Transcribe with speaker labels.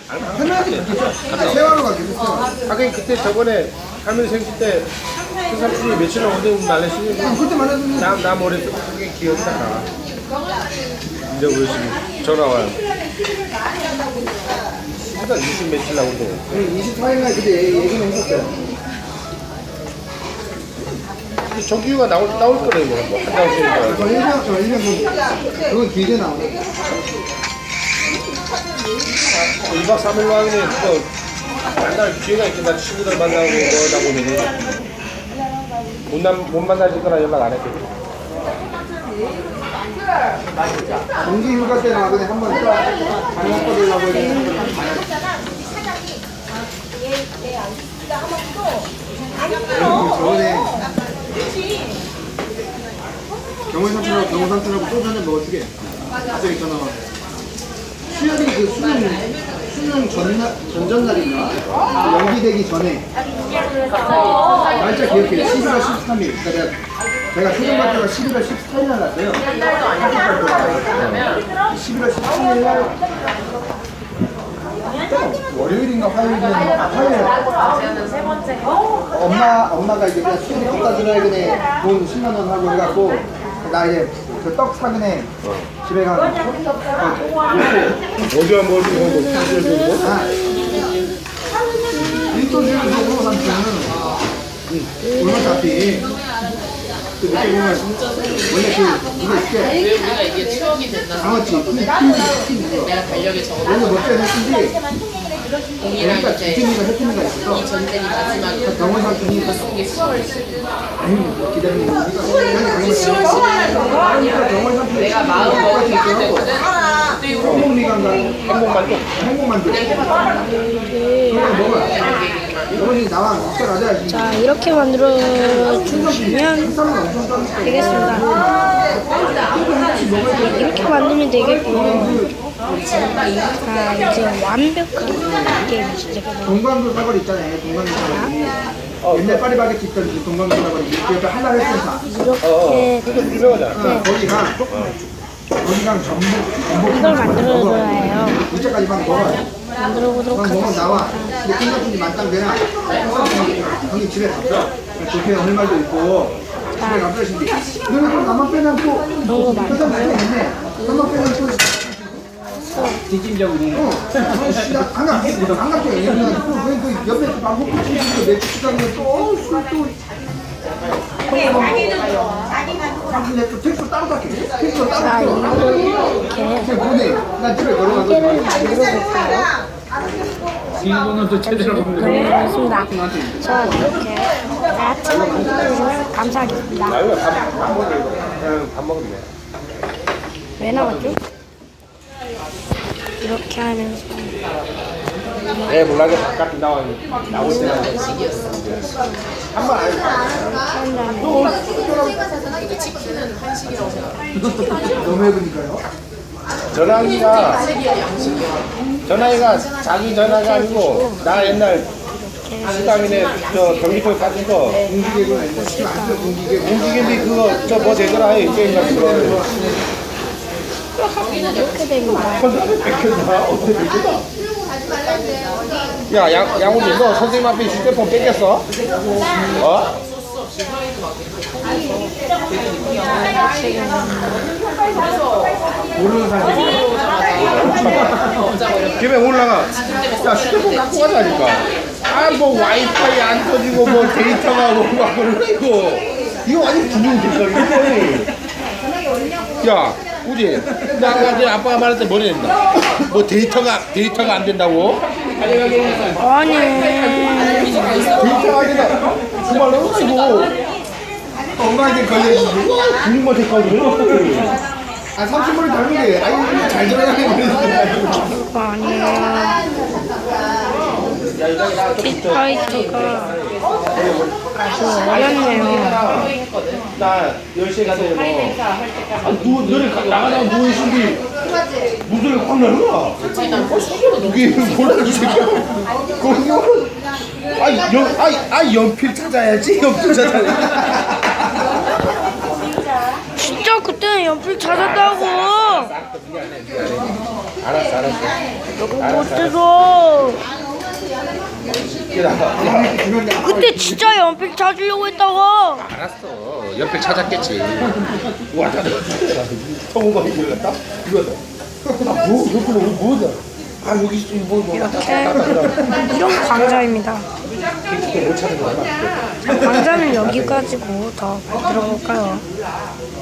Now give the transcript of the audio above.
Speaker 1: 편하게 갔겠죠. 세화로 가겠죠.
Speaker 2: 하긴 그때 저번에 할머니 생일 때 그 삼촌이 며칠 언제 말했으니
Speaker 1: 그때 말했는데
Speaker 2: 나 머릿속에 그게 기억이 나. 이제 우리 지금 전화 와요. 일단 20 며칠 나오는데
Speaker 1: 24일날 그때 얘기는 했었어요.
Speaker 2: 정규가 나올 거래요. 뭐 한달 후에.
Speaker 1: 그거 1년 그건 길게 나오네.
Speaker 2: 2박 3일로 하기는 그거 만날 기회가 있겠다. 친구들 만나고 그러다 보면 못 만나질 거나 연락 안 했거든.
Speaker 1: 정기 휴가 때 나가더니 한번 장난 꺼내려고 했는데 저번에 경호 삼촌하고 소주 한잔 먹어주게. 갑자기 전화 와. 수혈이 그 수능 전전날인가? 연기되기 전에 날짜 기억해요. 11월 13일. 그러니까 제가 초등 학교가 11월 14일 날 갔어요. 11월 13일 날 월요일인가 화요일 엄마가 이제 그냥 수술이 갖다 주라 해그네 돈 10만 원 하고 해갖고 나 이제 그 떡 사그네 집에 가서
Speaker 2: 어디가 뭐지?
Speaker 1: 일도주를 주고 삼촌은 얼마 잡히 그 늦게 보면 원래 이게
Speaker 3: 왜 우리가 이게 추억이 된다
Speaker 1: 장어치
Speaker 3: 내가 달력에 적어놓은
Speaker 1: 원래 멋져야 했는지
Speaker 3: 동이랑
Speaker 1: 그러니까
Speaker 3: 이제
Speaker 1: 주진이가 해프니가 있어서
Speaker 3: 이 전쟁이 마지막에
Speaker 1: 경원 삼촌이
Speaker 3: 이게 10월 10일
Speaker 1: 아니 기다리는 거 우리가 경원 삼촌이
Speaker 3: 내가 마음 먹고 있을 때거든
Speaker 1: 행복미관가
Speaker 2: 행복만족.
Speaker 1: 행복만두 그거 먹어요. 어머니 나와 식사 가져야지.
Speaker 4: 자, 이렇게 만들어 주시면 되겠습니다. 이렇게 만들면 되겠고요. 자, 이제 완벽한 게임 시작해보겠습니다.
Speaker 1: 동광도 사거리 있잖아요. 동광도 사거리. 옛날 파리바게트 있던 그 동광도 사거리. 그 옆에 한라 회센터.
Speaker 4: 이렇게
Speaker 2: 유명하잖아.
Speaker 1: 거기가 전복
Speaker 4: 이걸 만들어줘야 해요.
Speaker 1: 이제까지 막 먹어요.
Speaker 4: 만들어 보도록
Speaker 1: 막 먹으면 나와.
Speaker 4: 하겠습니다.
Speaker 1: 근데 콩같은지 만땅 되나? 형님 집에 갔어. 좋게 오늘 말도 있고. 집에 가서 신디. 너는 또 나만 빼놓고
Speaker 4: 너무 많아.
Speaker 1: 회장 있네. 나만 빼놓고
Speaker 2: 뒷짐적으로.
Speaker 1: 안 갈게요. 얘는 그 옆에 방콕 치고 맥주 시장에 또술또 근데 또 택시 따로 갈게. 택시 따로
Speaker 4: 자,
Speaker 1: 갈게.
Speaker 4: 이렇게
Speaker 1: 보내. 난 집에 걸어가서.
Speaker 4: 게임을 만들어볼까요?
Speaker 2: 이거는 또 제대로 먹는
Speaker 4: 그렇습니다. 자, 이렇게 같이 만들어주시면 감사하겠습니다.
Speaker 2: 아유, 밥 먹으면 그냥 밥 먹으면 돼.
Speaker 4: 왜 나왔죠? 이렇게 하면서
Speaker 2: 내 몰라게 바깥에 나올 때는 한번 안
Speaker 4: 한 다음에
Speaker 3: 이거 치킨은 한식이라고 생각해
Speaker 1: 너무 해보니까요.
Speaker 2: 전화기가 자기 전화가 아니고 나 옛날 식당이네 저 경기도에 빠진 거
Speaker 1: 공기계가 있는데 지금 안 써. 공기계.
Speaker 2: 공기개비 그거 저 뭐 되더라 이 게임 같은 거
Speaker 4: 이렇게 됩니다.
Speaker 2: 백현다 어떻게 되겠다 야 양우리 너 선생님 앞에 휴대폰 뺏겼어? 어?
Speaker 1: 모르는 사람이
Speaker 2: 집에 올라가 야 휴대폰 갖고 가자니까 아 뭐 와이파이 안 터지고 뭐 데이터가 뭐막 그러고 이거 완전 부분 됐어 야 우지 나 아까 내 아빠가 말할 때 뭐라 했나 뭐 데이터가 안 된다고?
Speaker 4: 아니,
Speaker 2: 데이터가 안 된다 그 말로 이거
Speaker 1: 엄마한테 걸려있지.
Speaker 2: 국민만 됐거든
Speaker 1: 아, 삼촌머리 닮은 게, 아니, 잘 들어가는 거
Speaker 4: 아니에요. 킥파이터가 아주 어렵네요.
Speaker 2: 나 10시에 가서 너네 나가다가 누워있는데 무슨 확 나는 거야 그게 뭐라고 이 새끼야 거기 연필 찾아야지 연필 찾아야지
Speaker 4: 진짜 그때는 연필 찾았다고.
Speaker 2: 알았어.
Speaker 4: 못 들어.
Speaker 2: 야,
Speaker 4: 그때 진짜 연필 찾으려고 했다가
Speaker 2: 알았어. 연필 찾았겠지. 와, 나 성우가 이거 같다? 이거다. 아, 뭐다? 아, 여기 있어. 뭐
Speaker 4: 이렇게 이런 광자입니다.
Speaker 2: 못 찾은 거야.
Speaker 4: 광자는 여기까지고 더 들어볼까요?